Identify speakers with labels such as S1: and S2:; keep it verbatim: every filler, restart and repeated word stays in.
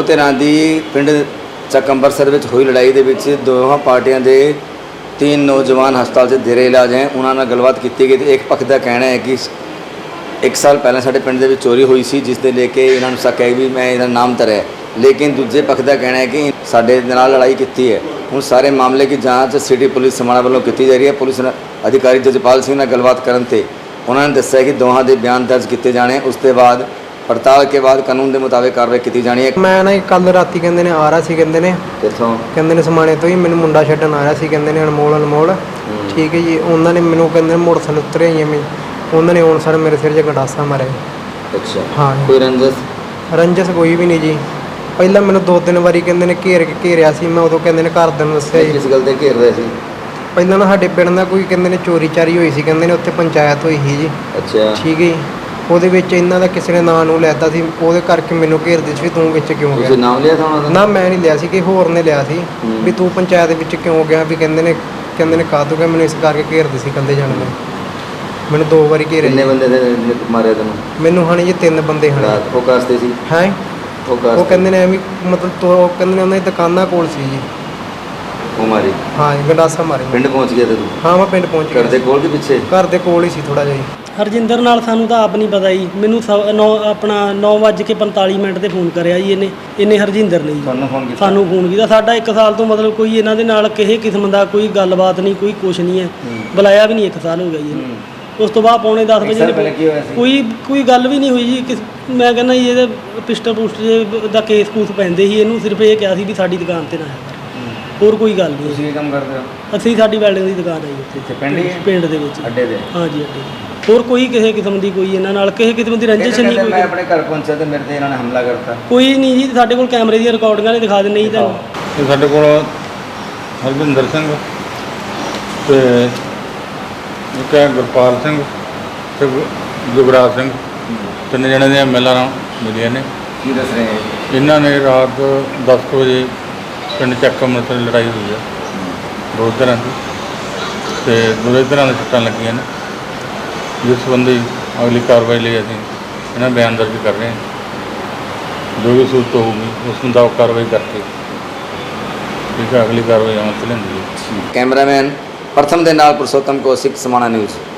S1: ਦੋ ਧਿਰਾਂ ਦੀ ਪਿੰਡ ਚੱਕ ਅੰਬਰਸਰ ਵਿੱਚ ਹੋਈ ਲੜਾਈ ਦੇ ਵਿੱਚ ਦੋਹਾਂ ਪਾਰਟੀਆਂ ਦੇ तीन नौजवान हस्पताल से देरे इलाज हैं। उन्होंने गलबात की गई। एक पक्ष का कहना है कि एक साल पहले साढ़े पिंड दे चोरी हुई सी जिसने लेके इन्होंने शक है भी मैं इन्होंने नाम तर है, लेकिन दूजे पक्ष का कहना है कि साढ़े नाल लड़ाई की है। हूँ सारे मामले की जाँच सिटी पुलिस समाणा वालों की जा रही है। पुलिस अधिकारी जजपाल सिंह ने गलबात करते उन्होंने दस्या कि दोहां के बयान दर्ज किए जाने, उसके बाद पड़ताल के बाद कानून के मुताबिक कार्रवाई की जानी है।
S2: मैं ना कल राती कहते ने आ रहा सी, कहते ने
S1: कितों
S2: कहते ने समाने तो ही मैंने मुंडा छड्डन आ रहा सी, कहते ने अनमोल अनमोल ठीक है जी। उन्होंने मैंने कहते मोटरसाइकिल उतरे ही मैं उन्होंने हूँ सर मेरे सिर च गंडासा मारे।
S1: अच्छा
S2: हाँ
S1: कोई रंजस
S2: रंजस कोई भी नहीं जी। पहला मैंने दो तीन बारी कहते ने घेर के घेरिया सी, मैं उदों कहते ने घरदिਆਂ ਨੂੰ ਦੱਸਿਆ
S1: किस गल ते घेर रहे थे?
S2: ਪਹਿਲਾਂ ਨਾ ਸਾਡੇ ਪਿੰਡ ਦਾ ਕੋਈ ਕਹਿੰਦੇ ਨੇ ਚੋਰੀ ਚਾਰੀ ਹੋਈ ਸੀ, ਕਹਿੰਦੇ ਨੇ ਉੱਥੇ ਪੰਚਾਇਤ ਹੋਈ ਸੀ ਜੀ।
S1: ਅੱਛਾ
S2: ਠੀਕ ਹੈ ਜੀ। ਉਹਦੇ ਵਿੱਚ ਇਹਨਾਂ ਦਾ ਕਿਸੇ ਨੇ ਨਾਂ ਨੂੰ ਲੈਤਾ ਸੀ, ਉਹਦੇ ਕਰਕੇ ਮੈਨੂੰ ਘੇਰਦੇ ਸੀ ਵੀ ਤੂੰ ਵਿੱਚ ਕਿਉਂ ਗਿਆ।
S1: ਤੁਸੀਂ ਨਾਮ ਲਿਆ ਸੀ ਉਹਨਾਂ ਦਾ?
S2: ਨਾ ਮੈਂ ਨਹੀਂ ਲਿਆ ਸੀ, ਕਿ ਹੋਰ ਨੇ ਲਿਆ ਸੀ ਵੀ ਤੂੰ ਪੰਚਾਇਤ ਵਿੱਚ ਕਿਉਂ ਗਿਆ, ਵੀ ਕਹਿੰਦੇ ਨੇ ਕਹਿੰਦੇ ਨੇ ਕਾਹਤੋਂ ਗਿਆ, ਮੈਨੂੰ ਇਸ ਕਰਕੇ ਘੇਰਦੇ ਸੀ ਕੰਦੇ ਜਾਣ ਨੇ। ਮੈਨੂੰ ਦੋ ਵਾਰੀ ਘੇਰੇ।
S1: ਕਿੰਨੇ ਬੰਦੇ ਦੇ ਮਾਰੇ ਤੈਨੂੰ?
S2: ਮੈਨੂੰ ਹਣੀ ਜੀ ਤਿੰਨ ਬੰਦੇ ਹਨ।
S1: ਰਾਤ ਉਹ ਕਾਸਤੇ ਸੀ?
S2: ਹੈ
S1: ਉਹ
S2: ਉਹ
S1: ਕਾਸਤੇ
S2: ਕਹਿੰਦੇ ਨੇ ਐਵੇਂ ਮਤਲਬ ਤੋ ਕਹਿੰਦੇ ਨੇ ਉਹਨਾਂ ਦੀ ਦੁਕਾਨਾਂ ਕੋਲ ਸੀ ਜੀ।
S1: ਉਹ ਮਾਰੀ?
S2: ਹਾਂ ਜੀ ਗੰਡਾਸਾ ਮਾਰੇ।
S1: ਪਿੰਡ ਪਹੁੰਚ ਗਿਆ ਤੇ ਤੂੰ?
S2: ਹਾਂ ਮੈਂ ਪਿੰਡ ਪਹੁੰਚ ਗਿਆ।
S1: ਘਰ ਦੇ ਕੋਲ ਕੇ ਪਿੱਛੇ? ਘਰ
S2: ਦੇ ਕੋਲ ਹੀ ਸੀ ਥੋੜਾ ਜਿਹਾ ਜੀ।
S3: ਹਰਜਿੰਦਰ ਨਾਲ ਸਾਨੂੰ ਤਾਂ ਆਪ ਨਹੀਂ ਪਤਾ ਜੀ। ਮੈਨੂੰ ਨੌ ਆਪਣਾ ਨੌ ਵੱਜ ਕੇ ਪੰਤਾਲੀ ਮਿੰਟ ਤੇ ਫੋਨ ਕਰਿਆ ਜੀ ਇਹਨੇ ਇਹਨੇ ਹਰਜਿੰਦਰ ਨੇ ਜੀ
S1: ਸਾਨੂੰ ਫੋਨ ਕੀਤਾ? ਸਾਨੂੰ
S3: ਫੋਨ ਕੀਤਾ। ਸਾਡਾ ਇੱਕ ਸਾਲ ਤੋਂ ਮਤਲਬ ਕੋਈ ਇਹਨਾਂ ਦੇ ਨਾਲ ਕਿਸੇ ਕਿਸਮ ਦਾ ਕੋਈ ਗੱਲਬਾਤ ਨਹੀਂ, ਕੋਈ ਕੁਛ ਨਹੀਂ ਹੈ। ਬੁਲਾਇਆ ਵੀ ਨਹੀਂ, ਇੱਕ ਸਾਲ ਹੋ ਗਿਆ ਜੀ ਇਹਨੂੰ। ਉਸ ਤੋਂ ਬਾਅਦ ਪੌਣੇ ਦਸ ਵਜੇ ਕੋਈ ਕੋਈ ਗੱਲ ਵੀ ਨਹੀਂ ਹੋਈ ਜੀ। ਕਿਸ ਮੈਂ ਕਹਿੰਦਾ ਜੀ ਇਹਦੇ ਪਿਸਟਲ ਪੁਸਟ ਦਾ ਕੇਸ ਕੂਸ ਪੈਂਦੇ ਸੀ। ਇਹਨੂੰ ਸਿਰਫ ਇਹ ਕਿਹਾ ਸੀ ਵੀ ਸਾਡੀ ਦੁਕਾਨ ਤੇ ਨਾ ਆਇਆ, ਹੋਰ ਕੋਈ ਗੱਲ ਨਹੀਂ।
S1: ਤੁਸੀਂ ਕੀ ਕੰਮ ਕਰਦੇ ਹੋ?
S3: ਅਸੀਂ ਸਾਡੀ ਵੈਲਡਿੰਗ ਦੀ ਦੁਕਾਨ ਹੈ ਜੀ
S1: ਇੱਥੇ ਪਿੰਡ ਹੀ?
S3: ਪਿੰਡ ਦੇ ਵਿੱਚ
S1: ਅੱਡੇ ਦੇ?
S3: ਹਾਂ ਜੀ ਅੱਡੇ। ਹੋਰ ਕੋਈ ਕਿਸੇ ਕਿਸਮ ਦੀ ਕੋਈ ਇਹਨਾਂ ਨਾਲ ਕਿਸੇ ਕਿਸਮ ਦੀ ਰੰਜਿਸ਼ ਨਹੀਂ। ਕੋਈ
S1: ਮੈਂ ਆਪਣੇ ਘਰ ਪਹੁੰਚਿਆ ਤੇ ਮੇਰੇ ਤੇ ਇਹਨਾਂ ਨੇ ਹਮਲਾ ਕਰਤਾ?
S3: ਕੋਈ ਨਹੀਂ ਜੀ। ਸਾਡੇ ਕੋਲ ਕੈਮਰੇ ਦੀਆਂ ਰਿਕਾਰਡਿੰਗਾਂ ਨੇ ਦਿਖਾ ਦਿੰਦੇ ਜੀ ਤੁਹਾਨੂੰ।
S4: ਤੇ ਸਾਡੇ ਕੋਲ ਹਰਜਿੰਦਰ ਸਿੰਘ ਤੇ ਇੱਕ ਹੈ ਗੁਰਪਾਲ ਸਿੰਘ ਤੇ ਜੁਗਰਾਜ ਸਿੰਘ, ਤਿੰਨ ਜਣੇ ਦੀਆਂ ਮਿਲਾਂ ਮਿਲੀਆਂ ਨੇ।
S1: ਕੀ ਦੱਸ ਰਹੇ ਹੈ?
S4: ਇਹਨਾਂ ਨੇ ਰਾਤ ਦਸ ਕੁ ਵਜੇ ਪਿੰਡ ਚੱਕ ਅੰਮ੍ਰਿਤਸਰ ਲੜਾਈ ਹੋਈ ਹੈ ਦੋ ਤਰ੍ਹਾਂ ਦੀ, ਤੇ ਦੋਵੇਂ ਤਰ੍ਹਾਂ ਦੇ ਸੱਟਾਂ ਲੱਗੀਆਂ ਨੇ, ਜਿਸ ਸੰਬੰਧੀ ਅਗਲੀ ਕਾਰਵਾਈ ਲਈ ਅਸੀਂ ਇਹਨਾਂ ਬਿਆਨ ਦਰਜ ਕਰ ਰਹੇ ਹਾਂ। ਜੋ ਵੀ ਸੂਰਤ ਹੋਊਗੀ ਉਸ ਮੁਤਾਬਕ ਕਾਰਵਾਈ ਕਰਕੇ ਠੀਕ ਹੈ ਅਗਲੀ ਕਾਰਵਾਈ ਅਮਲ 'ਚ ਲੈਂਦੀ ਹੈ।
S1: ਕੈਮਰਾਮੈਨ ਪ੍ਰਥਮ ਦੇ ਨਾਲ ਪੁਰਸ਼ੋਤਮ ਕੌਸ਼ਿਕ, ਸਮਾਣਾ ਨਿਊਜ਼।